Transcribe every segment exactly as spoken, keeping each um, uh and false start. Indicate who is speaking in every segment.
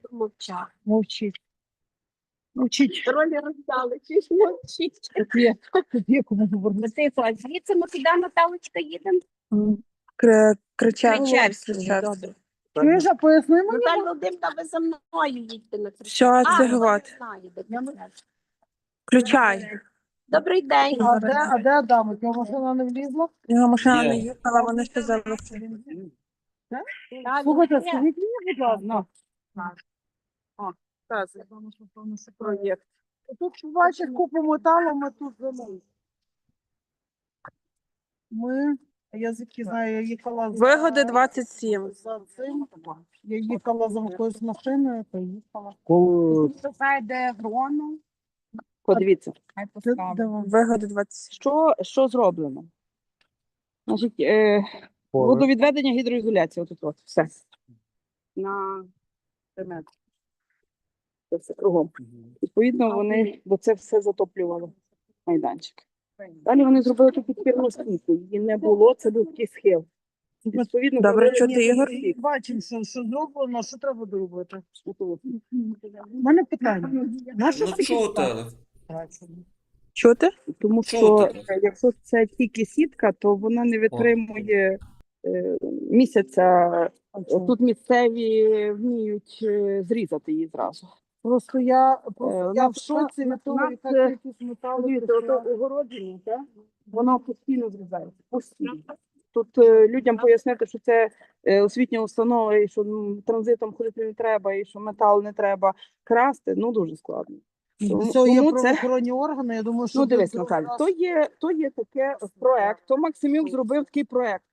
Speaker 1: мовчати.
Speaker 2: Мовчіть. Мовчіть.
Speaker 1: Ролі роздали, чи ж мовчіть.
Speaker 2: Є, є кому говорити.
Speaker 1: Тихо, а звідси ми куди, Наталочка, їдемо?
Speaker 3: Кри- Кричать.
Speaker 1: Кричевську.
Speaker 3: Кричать.
Speaker 1: Добре.
Speaker 2: Чуєш, а поясни мені?
Speaker 1: Наталя Володимирівна, ви за мною їдьте на Кричевську.
Speaker 3: Що
Speaker 1: А,
Speaker 3: це
Speaker 1: ну,
Speaker 3: говорить?
Speaker 1: я знаю, де Кричевська.
Speaker 3: Включай.
Speaker 1: Добрий день.
Speaker 2: А де, а де Адам? Його машина не влізла?
Speaker 3: Його машина
Speaker 4: Є.
Speaker 3: не їхала, вони ще залишили.
Speaker 1: Так,
Speaker 2: Слухайте,
Speaker 1: ні.
Speaker 2: скажіть мені, будь ласка.
Speaker 3: Проєкт.
Speaker 2: Тут бачиш купу металу, ми тут замовили. Ми, я звідки знаю, я їхала за...
Speaker 3: Вигоди двадцять сім.
Speaker 2: За цим. Я їхала за якоюсь машиною, поїхала.
Speaker 1: Це йде грону.
Speaker 5: Подивіться,
Speaker 1: Хай
Speaker 2: Де-
Speaker 1: поставимо.
Speaker 2: де вона?
Speaker 3: Вигоди двадцять сім.
Speaker 5: що, що зроблено. Значить, е, водовідведення, гідроізоляція, отут от, все. На три метри. Це все кругом. Відповідно, вони, бо це все затоплювало майданчик. Далі вони зробили тут підпірну стійку. Її не було, це був такий схил. Відповідно,
Speaker 3: Добре,
Speaker 5: зробили
Speaker 3: чути,
Speaker 5: ні-
Speaker 3: Ігор?
Speaker 5: ні-
Speaker 2: Бачимо, що, що зроблено, що треба доробити.
Speaker 5: отут.
Speaker 2: У мене питання. Наша
Speaker 4: Ну чути.
Speaker 3: Чути?
Speaker 5: Тому
Speaker 4: Що
Speaker 5: що
Speaker 4: таке?
Speaker 5: е, якщо це тільки сітка, то вона не витримує е, місяця. Тут місцеві вміють е, зрізати її зразу.
Speaker 2: Просто я,
Speaker 5: Е,
Speaker 2: просто
Speaker 5: у
Speaker 2: я в
Speaker 5: нас-
Speaker 2: шоці
Speaker 5: у
Speaker 2: від того,
Speaker 5: нас,
Speaker 2: яка
Speaker 5: е,
Speaker 2: кількість металу.
Speaker 5: Дивіться,
Speaker 2: пішла.
Speaker 5: ото огородження, так? Воно постійно зрізається. Постійно. Тут е, людям пояснити, що це е, освітня установа, і що м, транзитом ходити не треба, і що метал не треба красти, ну дуже складно.
Speaker 2: Для
Speaker 5: Тому-
Speaker 2: цього є
Speaker 5: тому це-
Speaker 2: правоохоронні органи, я думаю, що...
Speaker 5: Ну
Speaker 2: для
Speaker 5: дивись,
Speaker 2: цього
Speaker 5: Наталя,
Speaker 2: раз-
Speaker 5: то є, то є таке проект, то Максимюк зробив такий проект.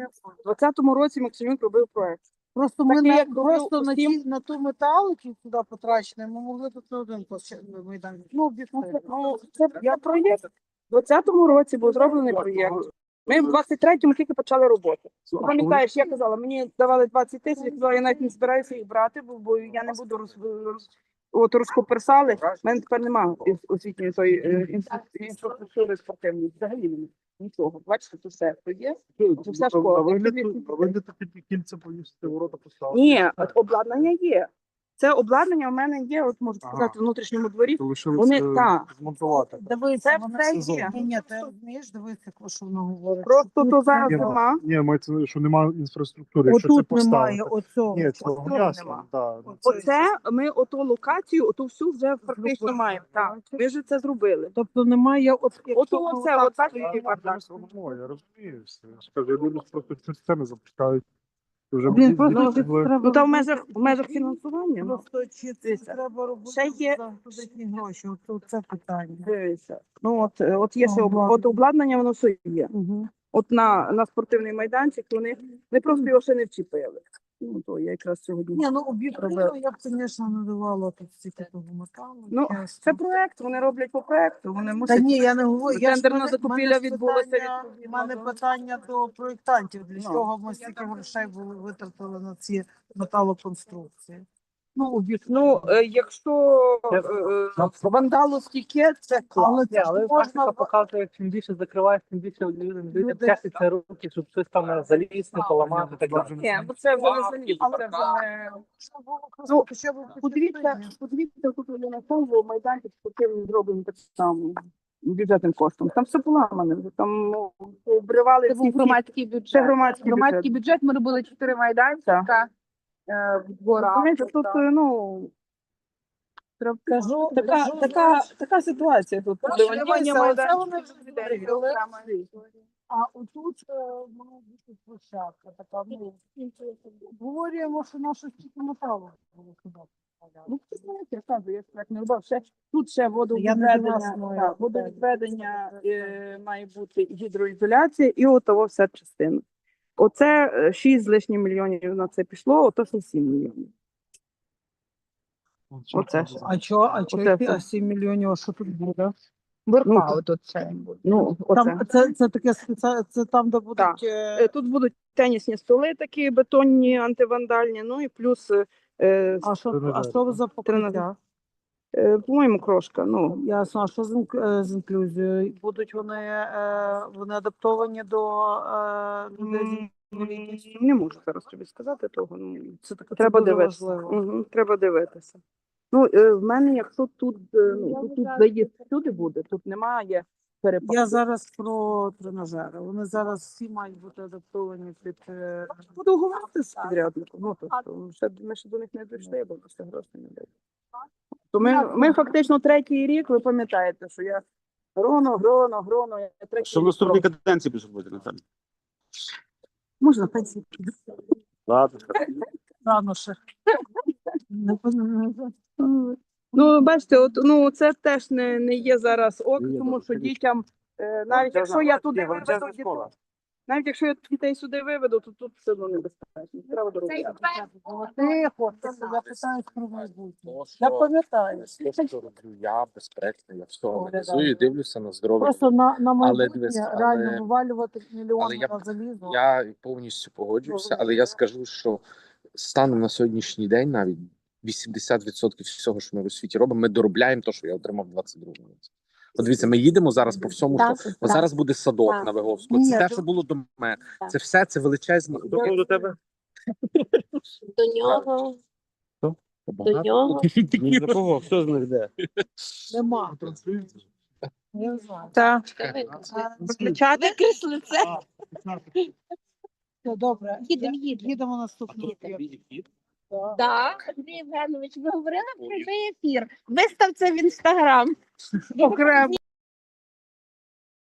Speaker 5: У двадцятому році Максимюк робив проект.
Speaker 2: Просто ми
Speaker 5: такий,
Speaker 2: на,
Speaker 5: як роблю
Speaker 2: просто на,
Speaker 5: усім.
Speaker 2: ті, на ту метал, який сюди потрачений, ми могли тут не один площа- майданчик. Ну, об'єктивно.
Speaker 5: Ну, це я проєкт. У двадцятому році був зроблений проєкт. Ми в двадцять третьому тільки почали роботу. Ти пам'ятаєш, я казала, мені давали двадцять тисяч, я казала, я навіть не збираюся їх брати, бо, бо я не буду роз, роз, от розкоперсали. У мене тепер немає освітньої тої е, інфра- інфраструктури спортивної, взагалі немає. Нічого. Бачите, тут все то є. Це вся школа.
Speaker 6: А ви не такі кільця повісити, ворота поставити?
Speaker 5: Ні, от обладнання є. Це обладнання у мене є, от можу
Speaker 6: Ага.
Speaker 5: сказати, в внутрішньому дворі.
Speaker 6: То лишилося
Speaker 5: Вони- так.
Speaker 6: змонтувати.
Speaker 2: Дивися,
Speaker 5: Це
Speaker 2: вона
Speaker 5: все
Speaker 2: сезон.
Speaker 5: є.
Speaker 2: Ні, ні, ти розумієш, дивися, що вона говорить.
Speaker 5: Просто то зараз
Speaker 6: Ні,
Speaker 5: нема.
Speaker 6: Ні, мається, що немає інфраструктури. Якщо це
Speaker 2: Отут немає,
Speaker 6: поставити.
Speaker 2: оцього.
Speaker 6: Ні, цього
Speaker 5: Оцього
Speaker 6: ясно.
Speaker 5: нема.
Speaker 6: Да.
Speaker 5: Оце ми оту локацію, оту всю вже фактично маємо. Так, ми вже це зробили.
Speaker 2: Тобто немає... От,
Speaker 5: От
Speaker 2: якщо
Speaker 5: оце,
Speaker 2: отак
Speaker 5: от так
Speaker 2: стоїть,
Speaker 5: і бардак.
Speaker 6: Ну, я розумію все. Я ж кажу, я думаю, що просто цю сцену запускають. Вже
Speaker 2: Блін,
Speaker 6: будуть
Speaker 2: просто
Speaker 6: діти,
Speaker 2: чи
Speaker 6: були-
Speaker 2: треба
Speaker 5: Ну, та в
Speaker 2: робити-
Speaker 5: межах, в межах фінансування. Ну,
Speaker 2: Просто чи це
Speaker 5: Дивіться,
Speaker 2: треба робити
Speaker 5: ще є-
Speaker 2: за бюджетні гроші? От це питання.
Speaker 5: дивися. Ну, от, е, от є ще об-
Speaker 2: Обладнання.
Speaker 5: от обладнання, воно все є.
Speaker 2: Угу.
Speaker 5: От на, на спортивний майданчик вони не просто його ще не вчепили. Ну, то я якраз сьогодні.
Speaker 2: Ні, ну об'єктивно
Speaker 5: Робила.
Speaker 2: я б, звісно, не давала тут стільки того металу.
Speaker 5: Ну,
Speaker 2: чесно.
Speaker 5: Це проект, вони роблять по проекту, вони
Speaker 2: Та
Speaker 5: мусять.
Speaker 2: ні, я не говорю. Я ж-
Speaker 5: Тендерна
Speaker 2: мене-
Speaker 5: закупівля
Speaker 2: мене ж
Speaker 5: відбулася
Speaker 2: питання-
Speaker 5: відповідно
Speaker 2: У мене
Speaker 5: до-
Speaker 2: питання до проєктантів. Для
Speaker 5: Ну.
Speaker 2: чого ми стільки грошей були витратили на ці металоконструкції?
Speaker 5: Ну, об'єктивно, ну, е, якщо е, е, вандалу стільки, це клас.
Speaker 2: Але це
Speaker 7: Але
Speaker 2: ж
Speaker 7: практика
Speaker 2: можна...
Speaker 7: показує, чим більше закриваєш, тим більше людям людям
Speaker 2: Люди-
Speaker 7: тягнеться руки, щоб щось там не залізти, поламати. Так далі.
Speaker 5: Ні, бо це вже не заліз, це вже не...
Speaker 2: Можна було
Speaker 5: Ну,
Speaker 2: просто хоча б
Speaker 5: Подивіться,
Speaker 2: почати.
Speaker 5: подивіться, тут на тому майданчик спортивний зроблений так само бюджетним коштом. Там все поламане, вже там ну, обривали
Speaker 1: Це
Speaker 5: всі
Speaker 1: був
Speaker 5: всі-
Speaker 1: громадський
Speaker 5: Це
Speaker 1: бюджет.
Speaker 5: громадський
Speaker 1: Громадський
Speaker 5: бюджет.
Speaker 1: бюджет, ми робили чотири майданчика е, в дворах.
Speaker 5: Розумієте, тут, е, ну,
Speaker 2: Кажу,
Speaker 5: така,
Speaker 2: кажу,
Speaker 5: така,
Speaker 2: знаєш,
Speaker 5: така ситуація тут.
Speaker 2: Дивися,
Speaker 5: Дивання
Speaker 2: оце
Speaker 5: майданчика.
Speaker 2: вони вже відкрили. А отут е, має бути площадка така, ну, говоримо, що наше стільки металу було сюди.
Speaker 5: Ну, це знаєте, я кажу, я ж так не робив. Ще, тут ще
Speaker 2: Я не
Speaker 5: водовідведення,
Speaker 2: знаю,
Speaker 5: так,
Speaker 2: як
Speaker 5: водовідведення
Speaker 2: це.
Speaker 5: е, має бути гідроізоляція і отого вся частина. Оце е, шість з лишнім мільйонів на це пішло, ото ще сім мільйонів. Оце ж.
Speaker 2: А чо, а чо,
Speaker 5: Оце
Speaker 2: які-
Speaker 5: все.
Speaker 2: а сім мільйонів, а що тут буде?
Speaker 5: Ну,
Speaker 1: тут це буде.
Speaker 5: Ну, оце.
Speaker 2: Там, це, це таке спеціальне, це там, де будуть...
Speaker 5: Так.
Speaker 2: е,
Speaker 5: Е, Тут будуть тенісні столи такі бетонні, антивандальні, ну і плюс, е,
Speaker 2: А що, а що ви за покриття?
Speaker 5: е, по-моєму, крошка. Ну,
Speaker 2: Ясно, а що з, інк- е, з інклюзією? Будуть вони, е, вони адаптовані до е, людей з
Speaker 5: м, Не можу зараз тобі сказати того. Ну,
Speaker 2: Це таке
Speaker 5: треба
Speaker 2: дуже
Speaker 5: дивитися.
Speaker 2: важливо.
Speaker 5: Угу, треба дивитися. Ну, е, в мене, якщо тут, е, ну, тут, тут заїзд всюди буде, тут немає перепаду.
Speaker 2: Я зараз про тренажери. Вони зараз всі мають бути адаптовані під е,
Speaker 5: Буду говорити з підрядником. Ну, тобто, ще, ми ще до них не дійшли, бо ще грошей не дають. То ми, ми фактично третій рік, ви пам'ятаєте, що я гроно, гроно, гроно. Я третій
Speaker 4: Що в
Speaker 5: рік
Speaker 4: наступній
Speaker 5: роблю.
Speaker 4: каденції будеш робити, Наталя?
Speaker 2: можна пенсію
Speaker 4: Ладно.
Speaker 2: рано ще. Не пон-
Speaker 5: Ну, бачите, от, ну, це теж не, не є зараз ок,
Speaker 4: Ні,
Speaker 5: тому
Speaker 4: добре,
Speaker 5: що
Speaker 4: це
Speaker 5: дітям, е, навіть якщо я туди виведу дітей, навіть якщо я дітей сюди виведу, то тут все одно небезпечно. Треба доробляти.
Speaker 2: Тихо, я питаю про майбутнє. Я пам'ятаю.
Speaker 8: Те, що роблю я, безперечно, я все
Speaker 2: Оглядаю.
Speaker 8: аналізую і дивлюся на здоров'я.
Speaker 2: Просто на, на майбутнє
Speaker 8: дивись, але-
Speaker 2: реально вивалювати
Speaker 8: але
Speaker 2: мільйони
Speaker 8: я-
Speaker 2: на залізо.
Speaker 8: Я повністю погоджуюся, але я скажу, що станом на сьогоднішній день навіть вісімдесят відсотків всього, що ми у світі робимо, ми доробляємо те, що я отримав в двадцять другому році. От дивіться, ми їдемо зараз по всьому, що от зараз буде садок
Speaker 3: Так.
Speaker 8: на Виговську.
Speaker 2: Ні,
Speaker 8: Це те,
Speaker 2: то-
Speaker 8: що було до мене.
Speaker 3: Так.
Speaker 8: Це все це величезні.
Speaker 4: Хто до тебе?
Speaker 3: До нього, до
Speaker 8: Багато.
Speaker 3: нього.
Speaker 4: Ні за кого, хто з них де?
Speaker 2: Нема. Я не знаю.
Speaker 3: Так.
Speaker 2: А,
Speaker 3: Включати? Викресли це.
Speaker 2: Все, добре.
Speaker 3: Їдемо, їдемо.
Speaker 2: Їдемо наступного. Так.
Speaker 3: Так, Андрій Євгенович, ви говорили про цей ефір. Вистав це в інстаграм.
Speaker 2: Окремо.